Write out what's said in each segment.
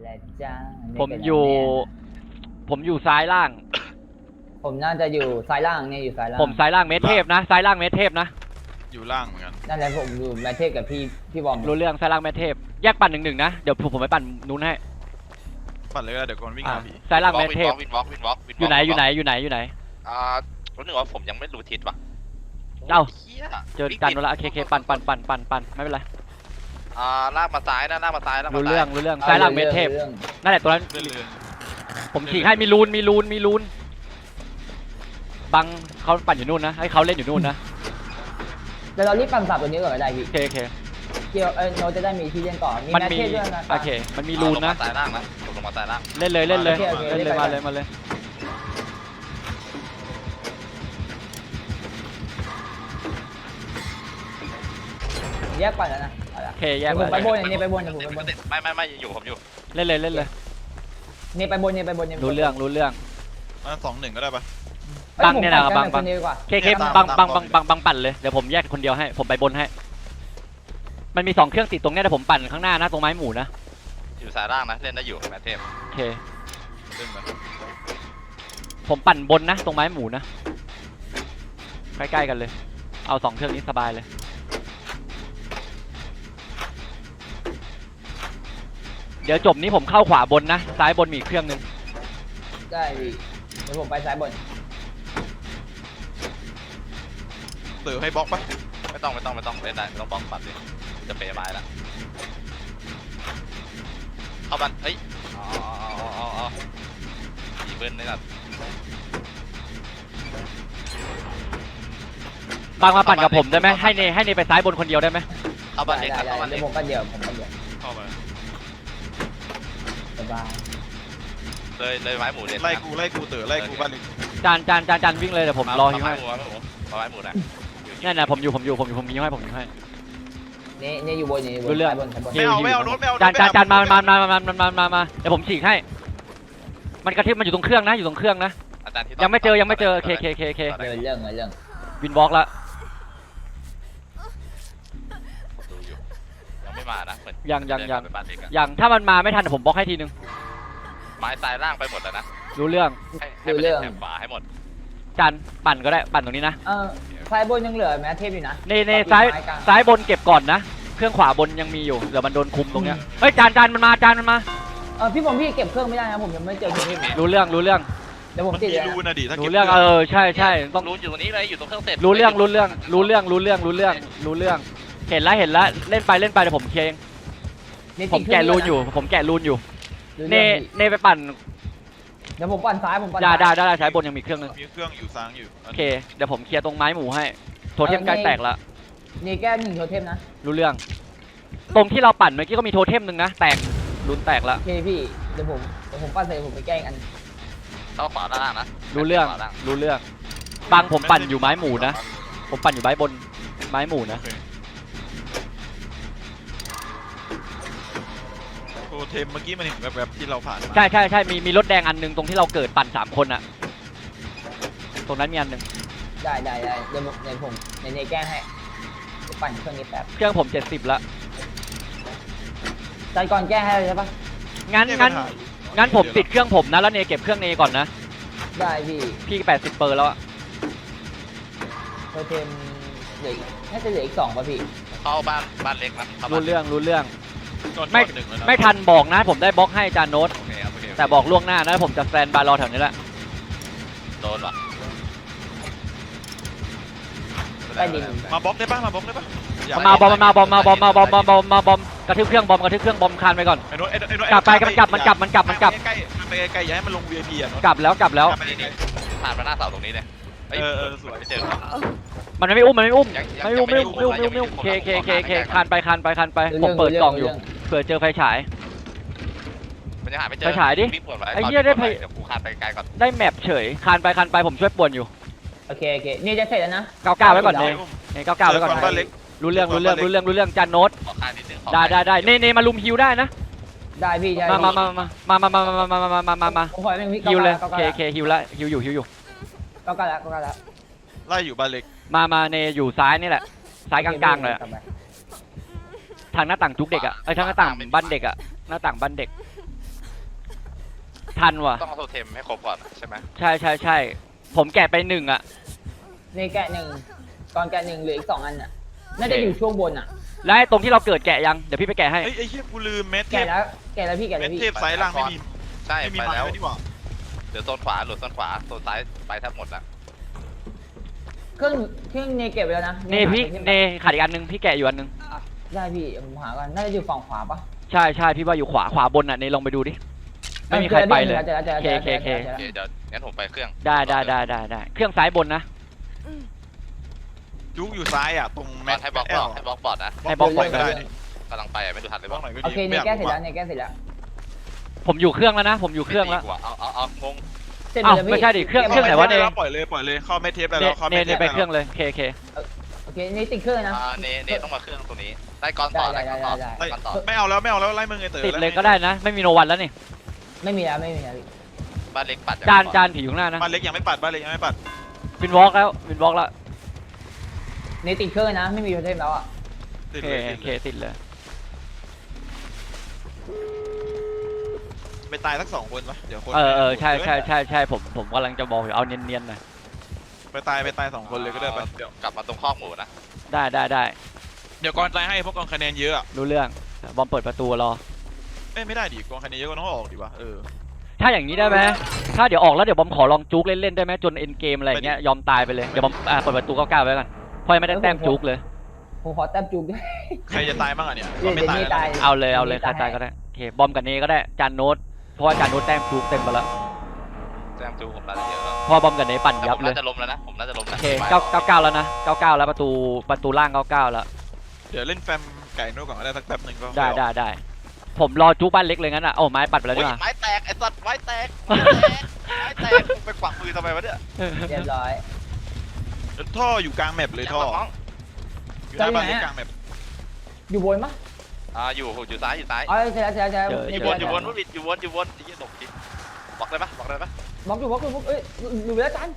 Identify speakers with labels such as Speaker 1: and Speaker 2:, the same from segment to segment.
Speaker 1: และจ้า
Speaker 2: ผมอยู่ซ้ายล่าง
Speaker 1: ผมน่าจะอยู่ซ้ายล่างเนี่ยอยู่ซ้ายล่าง
Speaker 2: ผมซ้ายล่างเมทเทพนะซ้ายล่างเมทเทพนะ
Speaker 3: อยู่ล่างเหมือนกัน
Speaker 1: นั่นแหละผมอยู่แมทเทพกับพี่บอม
Speaker 2: รู้เรื่องซ้ายล่างเมทเทพแยกปั่น1-1นะเดี๋ยวผมไปปั่นนู้นให้
Speaker 3: ปั่นเลยก็ได้เดี๋ยวก่อนวิ่งหาผี
Speaker 2: ซ้ายล่างเมทเทพ
Speaker 4: วินวอล์ก
Speaker 2: อยู่ไหน
Speaker 4: รู้หนึ่งว่าผมยังไม่รู้ทิศว่ะ
Speaker 2: เอ้า
Speaker 4: หี้ย
Speaker 2: เจอกันแล้วละเคปั่นไม่เป็นไร
Speaker 4: ลากมาซ้ายนะลากมาซ้ายลากมา
Speaker 2: รู้
Speaker 4: ซ้าย
Speaker 2: เรื่องซ้ายล่างเมทเทพนั่นแหละตัวนั้น
Speaker 3: เลื่อน
Speaker 2: ผมฉีกให้มีรูนบังเขาปั่นอยู่นู่นนะให้เขาเล่นอยู่นู่นนะ
Speaker 1: เดี๋ยวเรารีบปั่นสับตัวนี้ก่อนก็ได้พี่
Speaker 2: โอเค
Speaker 1: เกี่ยวโนจะได้มีที่เล่นต่อมี
Speaker 2: มัน
Speaker 1: แมท
Speaker 2: มี
Speaker 1: เทพด้วยนะ
Speaker 2: โอเคมันมีรูนนะ
Speaker 4: ลงมาซ้ายล่างนะลงมาซ้ายล่าง
Speaker 2: เล่นเลย
Speaker 1: โอเค
Speaker 2: มาเลย
Speaker 1: แยกปั่นแล้วนะเอาละ
Speaker 2: โอเคแยก
Speaker 1: ผมไป
Speaker 2: ไป
Speaker 1: บนเนี่ยไปบนเนี่ยผมไปบน
Speaker 4: ไม่อยู่ผมอยู่
Speaker 2: เล่นเลย
Speaker 1: เนี่ยไปบนเนี่ย
Speaker 2: รู้เรื่อง
Speaker 3: มา2-1ก็ได้ปะ
Speaker 2: บังเนี่ยนะบัง
Speaker 1: คนดีกว่า
Speaker 2: เคบังปั่นเลยเดี๋ยวผมแยกคนเดียวให้ผมไปบนให้มันมี2เครื่องติดตรงเนี้ยแต่ผมปั่นข้างหน้านะตรงไม้หมูนะ
Speaker 4: อยู่ซ้ายล่างนะเล่นได้อยู่แมทเทพ
Speaker 2: โอเค
Speaker 3: เล่นไป
Speaker 2: ผมปั่นบนนะตรงไม้หมูนะใกล้ๆกันเลยเอา2เครื่องนี้สบายเลยเดี๋ยวจบนี้ผมเข้าขวาบนนะซ้ายบนมีอีกเครื่องนึง
Speaker 1: ได้พี่เดี๋ยวผมไปซ้ายบน
Speaker 3: เติร์ให้บล็อกปะ
Speaker 4: ไม่ต้องเล่นได้ไม่ต้องบล็อกปัดเลยจะเปย์ไม้ละเข้าบันเฮ้ยอีเบิ้ลนี่แหละ
Speaker 2: บังมาปั่นกับผมได้ไหมให้เนไปซ้ายบนคนเดียวได้ไหม
Speaker 4: เข้าบันเล็ก
Speaker 1: ได้
Speaker 4: เข้าบัน
Speaker 1: เดี๋
Speaker 4: เล็
Speaker 1: ย
Speaker 4: ก
Speaker 1: วผมปั่นเดียว
Speaker 3: เข้าไป
Speaker 1: สบาย
Speaker 4: เลยไม้หมูเด็ด
Speaker 3: ไล่กูเต๋อไล่กูบ้านเล็ก
Speaker 2: จานวิ่งเลยเดี๋ยวผมรอฮิวให้
Speaker 4: ไม้หมูนะ
Speaker 2: นั่นนะผมอยู่ฮิวให้
Speaker 1: เนี่ยอยู่บนเนี่ยอยู่บน
Speaker 2: รู้เรื่อง
Speaker 1: ซ้ายบนซ้ายบน
Speaker 3: ไม่เอารถไม่เอา
Speaker 2: จานมาเดี๋ยวผมฉีกให้มันกระทิบมันอยู่ตรงเครื่องนะ
Speaker 4: อาจารย์ที่
Speaker 2: ยังไม่เจอเค
Speaker 1: เรื่อง
Speaker 2: วินวอล์กละ
Speaker 4: ดูอยู่ยังไม่มานะเหมือน
Speaker 2: ยังถ้ามันมาไม่ทันผมบล็อกให้ทีนึง
Speaker 4: ไม้ซ้ายล่างไปหมดแล้วนะ
Speaker 2: รู้เรื่อง
Speaker 4: ให้ไปเล่นแถบขวาให้หมด
Speaker 2: จานปั่นก็ได้ปั่นตรงนี้นะ
Speaker 1: ซ้ายบนยังเหลือแมทเทพอยู่นะ
Speaker 2: ในซ้ายบนเก็บก่อนนะเครื่องขวาบนยังมีอยู่เดี๋ยวมันโดนคุมตรงเนี้ยเฮ้ยจานมันมา
Speaker 1: พี่ผมเก็บเครื่องไม่ได้นะผมยังไม่เจอเครื่อง
Speaker 2: รู้เรื่อง
Speaker 1: เดี๋ยวผม
Speaker 3: มัน
Speaker 1: ติด
Speaker 3: มี
Speaker 1: เลย
Speaker 3: รูนะดิถ้า
Speaker 2: รู้
Speaker 3: เก็บ
Speaker 2: เรื่องใช่ต้อง
Speaker 4: รู้อยู่ตรงนี้เลยอยู่ตรงเครื่องเสร็จ
Speaker 2: รู้เรื่องเห็นแล้วเล่นไปเดี๋ยวผมเคลียร์เองผมแกะรูนอยู่เนไปปั่น
Speaker 1: เดี๋ยวผมปั่นซ้าย
Speaker 2: ได้ใช้บนยังมีเครื่องนึง
Speaker 3: มีเครื่องอยู่ซ้างอยู่
Speaker 2: โอเคเดี๋ยวผมเคลียร์ตรงไม้หมูให้โทเทมใกล้แตกละ
Speaker 1: นี่แก้1โทเทมนะ
Speaker 2: รู้เรื่องตรงที่เราปั่นเมื่อกี้ก็มีโทเทมนึงนะแตกรุนแตกละ
Speaker 1: โอเคพี่เดี๋ยวผมปั่นเสร็จผมไปแก้อัน
Speaker 4: เข้าขวาด้านล่างนะ
Speaker 2: รู้เรื่องบางผมปั่นอยู่ไม้หมูนะผมปั่นอยู่ไม้บนไม้หมูนะ
Speaker 3: โทเทมเมื่อกี้มันเห็นแบบที่เราผ่าน
Speaker 2: ใช่มีรถแดงอันนึงตรงที่เราเกิดปั่น3คนอะตรงนั้นมีอันนึง
Speaker 1: ได้เดี๋ยวผมในแก้ให้ปั่นเครื่องนี้แป๊บ
Speaker 2: เครื่องผม70ละ
Speaker 1: ใจก่อนแก้ให้เลยใช่ปะ
Speaker 2: งั้นผมติดเครื่องผมนะแล้วเนเก็บเครื่องเนก่อนนะ
Speaker 1: ได้พี่
Speaker 2: 80%แล้วอะ
Speaker 1: โทเทมเหลือน่าจะเหลืออีก2ป่ะพี่
Speaker 4: เข้าบ้านเล็กนะ
Speaker 2: รู้เรื่อง
Speaker 3: ไม่
Speaker 2: ไม่ทันบอกนะผมได้บล็อกให้จานโน้ต
Speaker 4: โอเคครับโอเค
Speaker 2: แต่บอกล่วงหน้านะผมจะสแตนบายรอแถวนี้แหละ
Speaker 4: โดนว่ะ
Speaker 1: ใต้ดิน
Speaker 3: มาบล็อกได้ปะมาบบ
Speaker 2: อมกระทืบเครื่องบอมคานไปก่อน
Speaker 3: ไอ้โน้ต
Speaker 2: กลับไปมันกลับ
Speaker 3: ใกล้ย้ายมันลง VIP อ่ะ
Speaker 2: กลับแล้ว
Speaker 4: ผ่านมาหน้าเสาตรงนี้เลยสวยไม่เจอ
Speaker 2: มันไม่อุ้มเคคานไปผมเปิดกล่องอยู่เผื่อเจอไฟฉาย
Speaker 4: มันยังหาไม่เจอ
Speaker 2: ไปฉายดิ
Speaker 4: วิ่งปวดไว้
Speaker 2: ไอ้เหี้ยได้ไป
Speaker 4: เดี๋ยวกูคานไปไกลก่อน
Speaker 2: ได้แมปเฉยคานไปผมช่วยป่วนอยู่
Speaker 1: โอเคนี่จะเสร็จแล้วนะ
Speaker 2: 99ไว้ก่อนเน99ไว้ก่อน
Speaker 3: บ้านเล็ก
Speaker 2: รู้เรื่องจานโน้ต
Speaker 4: ขอคานนิดนึง
Speaker 2: ได้เนมาลุมฮิวได้นะ
Speaker 1: ได้พี่ได้
Speaker 2: มา
Speaker 1: ผมขอให้พี่
Speaker 2: ฮิวเลยเคฮิวละฮิวอยู่
Speaker 1: ก็แล้ว
Speaker 3: ไล่อยู่บ้านเล็ก
Speaker 2: มาเนอยู่ซ้ายนี่แหละซ้ายกลางเลยทางหน้าต่างจุกเด็กอะทางหน้าต่างบ้านเด็กอะหน้าต่างบ้านเด็กทันว่ะ
Speaker 4: ต้องเอาโทเทมให้ครบก่อนใช่ไหม
Speaker 2: ใช่ผมแกะไป1อ่ะ
Speaker 1: ในแกะ1ก่อนแกะ1เหลืออีก2อันอ่ะน่าจะอยู่ช่วงบนอ่ะ
Speaker 2: แล้วไอ้ตรงที่เราเกิดแกะยังเดี๋ยวพี่ไปแกะให้
Speaker 3: เฮ้ยไอ้เหี้ยกูลืมเม็ดเท
Speaker 1: แกะ
Speaker 3: พ
Speaker 1: แล้วพี่แกะ
Speaker 3: เม็
Speaker 1: แล้ว
Speaker 3: ด
Speaker 1: พี่
Speaker 3: เทพสายล่างไม่มี
Speaker 4: ใช่
Speaker 3: ไม่มี
Speaker 4: ไป
Speaker 3: ไม้
Speaker 4: แล้ว
Speaker 3: ไม่ดีกว่า
Speaker 4: เหลือโซนขวาโซนขวาโซนซ้ายไปแทบหมดละ
Speaker 1: เครื่องเนเก็บไปแล้วนะ
Speaker 2: เนพี่เนขาดอีกอันนึงพี่แกะอยู่อันนึง
Speaker 1: ได้พี่ผมหากันน่าจะอยู่ฝั่งขวาปะ
Speaker 2: ใช่พี่ว่าอยู่ขวาบนอ่ะเนลองไปดูดิไม่มีใครไปเลย
Speaker 1: เจอแล้ว
Speaker 2: เค
Speaker 4: โอเคเดี๋ยวงั้นผมไปเครื่อง
Speaker 2: ได้เครื่องซ้ายบนนะ
Speaker 3: จุกอยู่ซ้ายอ่ะตรง
Speaker 4: บ
Speaker 3: แม็
Speaker 4: อก
Speaker 3: ก
Speaker 4: ให้บล็อกให้บล็อกบอร์ดนะ
Speaker 2: ให้บล็อก
Speaker 3: ปล่อยก็ได้นี่
Speaker 4: กำลังไปไม่ดูทันเลย
Speaker 3: บบ ล็
Speaker 4: อ
Speaker 3: อก กหน่อยก็
Speaker 1: โอ
Speaker 3: ดี
Speaker 1: เคเนแกะเสร็จแล้วเนแกะเสร็จแล้ว
Speaker 2: ผมอยู่เครื่องแล้วนะผมอยู่เครื่องแล้ว
Speaker 4: เอางง
Speaker 1: เสร็จ
Speaker 2: อ้าว
Speaker 1: แล้วพี่
Speaker 2: ไม่ใช่ดิเครื่อง
Speaker 1: ก็บ
Speaker 2: ไหนวะ
Speaker 3: ปล่อยเลยเข้าเม็ดเทปได้แล้วเข้า
Speaker 2: เน
Speaker 3: เม็ดเทป
Speaker 2: ไปเครื่องเลยเค
Speaker 1: โอเคนี่ติดเครื่องนะ
Speaker 4: เนต้องมาเครื่องตรงนี้ได้ก้อนต่อได้ก้อนต่อก้อนต่อ
Speaker 3: ไม่เอาแล้วไล่มึงไอ้เต๋อ
Speaker 2: ติดเลยก็ได้นะ ไม่มีโนวันแล้วนี่
Speaker 1: ไม่มีแล้วพี่
Speaker 4: บ้านเล็กปัด
Speaker 2: จานผีอยู่ข้างหน้านะ
Speaker 3: บ้านเล็กยังไม่ปัดบ้านเล็กยังไม่ปัด
Speaker 2: วินวอล์กแล้ว
Speaker 1: เนติดเครื่องนะไม่มีโทเทมแล้วอ่ะ
Speaker 3: ติด
Speaker 2: โอ
Speaker 3: เลย
Speaker 2: เคติดเลย
Speaker 3: ไปตายสัก2 คนปะเดี๋ยวคน
Speaker 2: ใช่ผมกำลังจะบอกอยู่เอาเนียนๆหน่อย
Speaker 3: ไปตาย2 คนเลยก็ได้ไปเดี๋ยว
Speaker 4: กลับมาตรงข้อกหมูนะ
Speaker 2: ได้
Speaker 3: เดี๋ยวก่อนตายให้พวกกองคะแนนเยอะอ่ะ
Speaker 2: รู้เรื่องบอมเปิดประตูรอ
Speaker 3: ไม่ได้ดิกองคะแนนเยอะก็ต้องออกดิวะ
Speaker 2: ถ้าอย่างนี้ได้ไหมถ้าเดี๋ยวออกแล้วเดี๋ยวบอมขอลองจุกเล่นๆได้ไหมจนเอ็นเกมอะไรเงี้ยยอมตายไปเลยเดี๋ยวบอมเปิดประตู99ไว้ก่อนเพราะยังไม่ได้แต้มจุกเลย
Speaker 1: ผมขอแต้มจูบด้วย
Speaker 3: ใครจะตายบ้างอ่ะเนี่ย
Speaker 1: เดี๋ยวนี้ตาย
Speaker 2: เอาเลยใครตายก็ได้โอเคบอมกับเนก็ได้จานโน้ตเพราะว่าจานโน้ตแต้มจุกเต็มไปแล้ว
Speaker 4: แซมจูผมน่าจะเยอะแล้ว
Speaker 2: เพราะบอมกับเนปั่นยับเลย
Speaker 4: น่าจะล้มแล้วนะผมน่าจะล้ม
Speaker 2: โอเค99แล้วนะ99แล้วประตูล่าง99แล้ว
Speaker 3: เดี๋ยวเล่นแฟมไก่นู่นก่อนก็ได้สักแป๊บนึงก็
Speaker 2: ได้ผมรอจุกบ้านเล็กเลยงั้นอ่ะโอ้ไม้ปัดไปแล้วดีกว่า
Speaker 4: ไม้แตกไอ้สัตว์ไม้แตกไปขวางมือทำไมวะเนี่ย
Speaker 1: เรียบร้อย
Speaker 3: ท่ออยู่กลางแมปเลยท่ออยู่หน้าบ้านเล็กกลางแมป
Speaker 1: อยู่บนปะ
Speaker 4: อยู่ซ้าย
Speaker 1: อ๋อเสร็จแล้ว
Speaker 4: อยู่วนอยู่วนที่ตกทิศบอกได้ปะ
Speaker 1: บล็อกอยู่เอ้ยอยู่แล้วจัน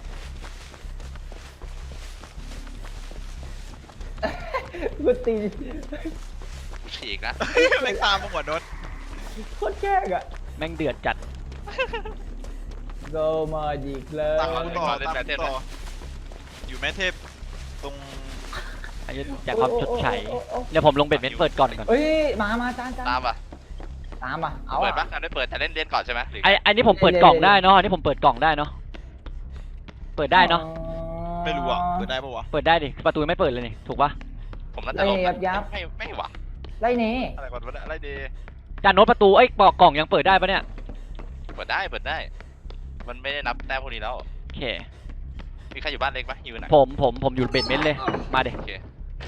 Speaker 1: กูตี
Speaker 4: กูฉีกนะ
Speaker 3: ไม่ตามมาหมดโดน
Speaker 1: โคตรแกล้งอ่ะ
Speaker 2: แม่งเดือดจัด
Speaker 1: โกมาดีเลย
Speaker 3: ตามกูต่ออยู่แม่เทพตรง
Speaker 2: อันนี้จากความชดใช้เดี๋ยวผมลงเบ็ดเม็ดเปิดก่อน
Speaker 1: เอ้ยมาจาน
Speaker 4: ตามปะ
Speaker 1: เอา
Speaker 4: เปิดปะไม่เปิดแต่เล่นก่อนใช่ไหม
Speaker 2: อันนี้ผมเปิดกล่องได้เนาะอันนี้ผมเปิดกล่องได้เนาะเปิดได้เนาะ
Speaker 3: ไม่รู้อ่ะเปิดได้ปะวะ
Speaker 2: เปิดได้ดิประตูไม่เปิดเลยนี่ถูกปะ
Speaker 4: ผมน่าจะล้มไม่หวัง
Speaker 1: ไล่เน่
Speaker 4: อะไรก่อนวะอะไรดี
Speaker 2: จานโน้ตประตูเอ้ยกล่องยังเปิดได้ปะเนี่ย
Speaker 4: เปิดได้มันไม่ได้นับแต้มพวกนี้แล้ว
Speaker 2: โอเค
Speaker 4: มีใครอยู่บ้านเล็กปะอยู่ไหน
Speaker 2: ผมอยู่เบ็ดเม็ดเลยมาเด็
Speaker 4: โอเค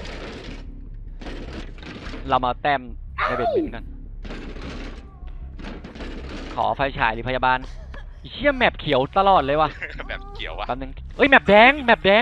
Speaker 2: เรามาแต้มในเบ็ดเม็ดกันขอไฟฉายหรือพยาบาลเชี่ยแมปเขียวตลอดเลยว่ะ
Speaker 4: แบบเกี่ยววะ
Speaker 2: แป๊บนึงเอ้ยแมปแดงเฮ้ยแมปแดง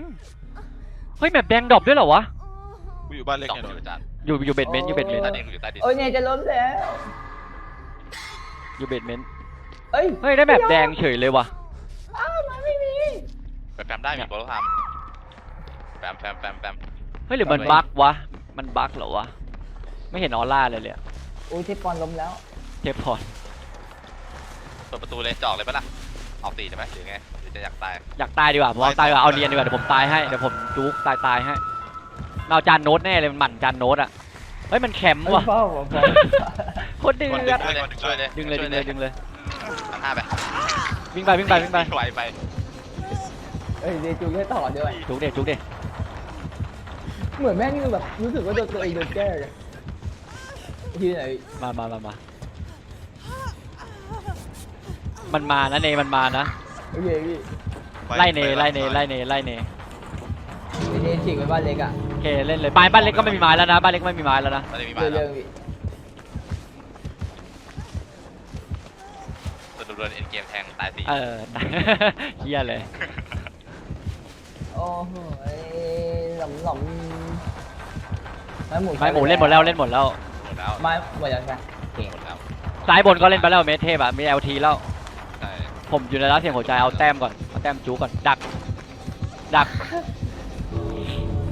Speaker 2: ดรอปด้วยเหรอวะ
Speaker 3: กูอยู่บ้านเล็ก
Speaker 4: สอง
Speaker 3: เนี่ย
Speaker 4: อยู่จาน
Speaker 2: อยู่เบ็ดเม็ดอยู่เบ็ดเม็ด
Speaker 4: ใต้ดินอยู่ใต้ดิน
Speaker 1: โอ้ยเนี่ยจะล้มแล้ว
Speaker 2: อยู่เบ็ดเม็ด
Speaker 1: เอ้ย
Speaker 2: เฮ้ยได้แมปแดงเฉยเลยว่ะ
Speaker 1: อ้าวมันไม่มี
Speaker 4: แฟมได้มีโปรทำแฟม
Speaker 2: เฮ้ยหรือมันบั๊กวะมันบั๊กเหรอวะไม่เห็นออร่าเลยอะ
Speaker 1: โอ้ยเทปปอนล้มแล้ว
Speaker 2: เทปพอร์ต
Speaker 4: เปิดประตูเลยจอกเลยปะล่ะออกตีใช่ไหมหรือไงหรือจะอยากตาย
Speaker 2: อยากตายดีกว่าผมเอาตายดีกว่าเอาเนียนดีกว่าเดี๋ยวผมตายให้เดี๋ยวผมจุกตายให้เอาจานโน้ตแน่เลยมันหมั่นจานโน้ตอะเฮ้ยมันแคมป์ว่ะ
Speaker 1: พ่อ
Speaker 2: โคตรเดือด
Speaker 4: ช่วยเลย
Speaker 2: ดึงเลย
Speaker 4: 5ไป
Speaker 2: วิ่งไป
Speaker 4: ไหวไป
Speaker 1: เอ้ยเดจูแค่ต่อด้วย
Speaker 2: จุกเด็
Speaker 1: เหมือนแม่งแบบรู้สึกว่าตัวเองโดนแก้เลยที่ไหน
Speaker 2: มามันมานะเนมันมานะ
Speaker 1: โอเคพี่
Speaker 2: ไล่เน
Speaker 1: เดฉีกไปบ้านเล็กอ่ะ
Speaker 2: โอเคเล่นเลยบ้านเล็กก็ไม่มีไม้แล้วนะบ้านเล็กไม่มีไม้แล้วนะ
Speaker 4: มันจะมีมา
Speaker 1: เรื่องพี่
Speaker 4: ตัวโดนเอ็นเกมแทงตาย4
Speaker 2: เฮียเลย
Speaker 1: โอ้โหหล่อมไม้หมู
Speaker 2: เล่นหมดแล้ว
Speaker 4: หมดแล้ว
Speaker 1: ไม้หมดแล้วใช่ไหม
Speaker 4: หมดแล้ว
Speaker 2: ซ้ายบนก็เล่นไปแล้วเมทเทพอะมี LT แล้ว
Speaker 4: ใช่
Speaker 2: ผมอยู่ในร้านเสียงหัวใจเอาแต้มก่อนเอาแต้มจูก่อนดัก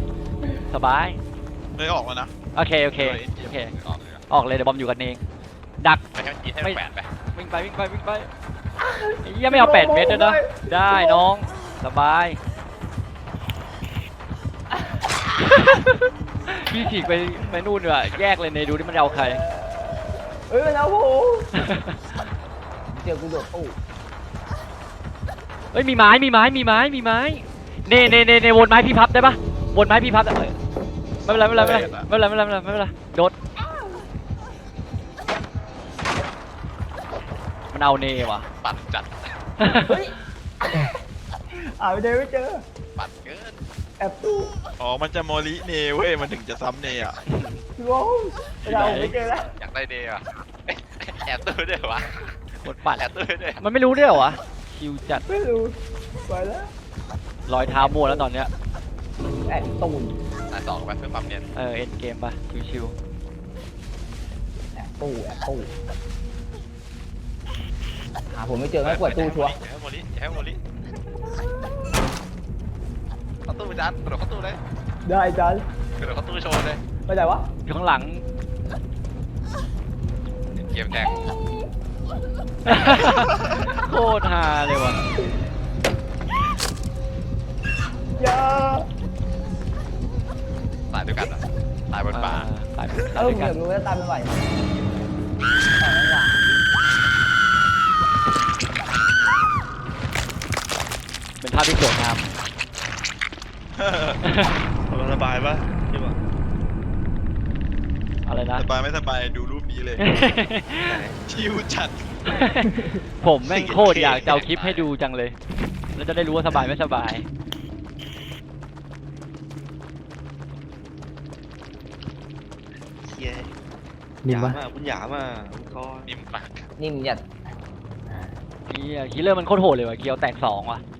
Speaker 2: สบาย
Speaker 3: เลยออกแล้วนะ
Speaker 2: โอเคออกเลยเดี๋ยวบอมอยู่กันเองดัก
Speaker 4: ไปให้มันยิงให้มันแปดไป
Speaker 2: วิ่งไปวิ่งไปวิ่งไปไอ้เหี้ยังไม่เอา8 เมตรด้วยนะได้น้องสบาย พี่ฉีกไปนู่นดีกว่าแยกเลยในดูที่มันจะเอาใคร
Speaker 1: เฮ้ยมันเอาผมเจอกูโดดตู้
Speaker 2: เฮ้ยมีไม้มีไม้มีไม้มีไม้เน่วนไม้พี่พับได้ปะวนไม้พี่พับได้ไม่เป็นไรไม่เป็นไรไม่เป็นไรไม่เป็นไรไม่เป็นไรโดดมันเอาเน่ว่ะ
Speaker 4: ปัดจัด
Speaker 1: เฮ้ยไปเจอไม่เจอ
Speaker 4: ปัดเกิน
Speaker 1: แอบตู้
Speaker 3: อ๋อมันจะโมลิเนเว้ยมันถึงจะซ้ำเนอ่ะ
Speaker 1: โว้ยเราไม่เจอแล้ว
Speaker 4: อยากได้เดย์อ่ะแอบตู้ด้วยวะ
Speaker 2: กดปัด
Speaker 4: แอบตู้ด้วย
Speaker 2: มันไม่รู้ด้วยเหรอวะคิวจัด
Speaker 1: ไม่รู้ไปแล้ว
Speaker 2: รอยเท้ามัวแล้วตอนเนี้ย
Speaker 1: แอบตูน
Speaker 4: ตายสองไปเพื่อความเนียน
Speaker 2: เอ็นเกมปะชิว
Speaker 1: แอบตู้หาผมไม่เจอไม่เปิดตู้ชัวร์
Speaker 4: อย่าให้โมลิอย่าให้โมลิเข้าตู้ไปจานกระโดดเข้าตู้เลย
Speaker 1: ได้จัน
Speaker 4: กระโดดเข้าตู้โชว์เลย
Speaker 1: ไปไหนวะ
Speaker 2: ๆอยู่ข้างหลัง
Speaker 4: เกมแข่ง
Speaker 2: โคตรฮาเลยว่ะ
Speaker 1: อย่า
Speaker 4: ตายด้วยกันเหรอตายบนป่า
Speaker 2: ตาย
Speaker 1: ผ
Speaker 2: ด้วย
Speaker 1: ม
Speaker 2: กั
Speaker 1: อน ยากรู้ว่าตามไม่ไหวไหมเอาไม่ไหว
Speaker 2: เป็นภาพที่สวยงาม
Speaker 3: สบายปะพี่บอก
Speaker 2: อะไรนะ
Speaker 3: สบายไม่สบายดูรูปนี้เลย ชิวจัด
Speaker 2: ผมแม่งโคตรอยากจะเอาคลิปให้ดูจังเลย แล้วจะได้รู้ว่าสบายไม่สบาย
Speaker 5: เย้
Speaker 1: นิ่มปะ
Speaker 5: คุณหยามาคุณก็
Speaker 4: นิ่มปาก
Speaker 1: นิ่มหยัด
Speaker 2: คิลเลอร์มันโคตรโหดเลยว่ะเกียวแตก2ว่ะ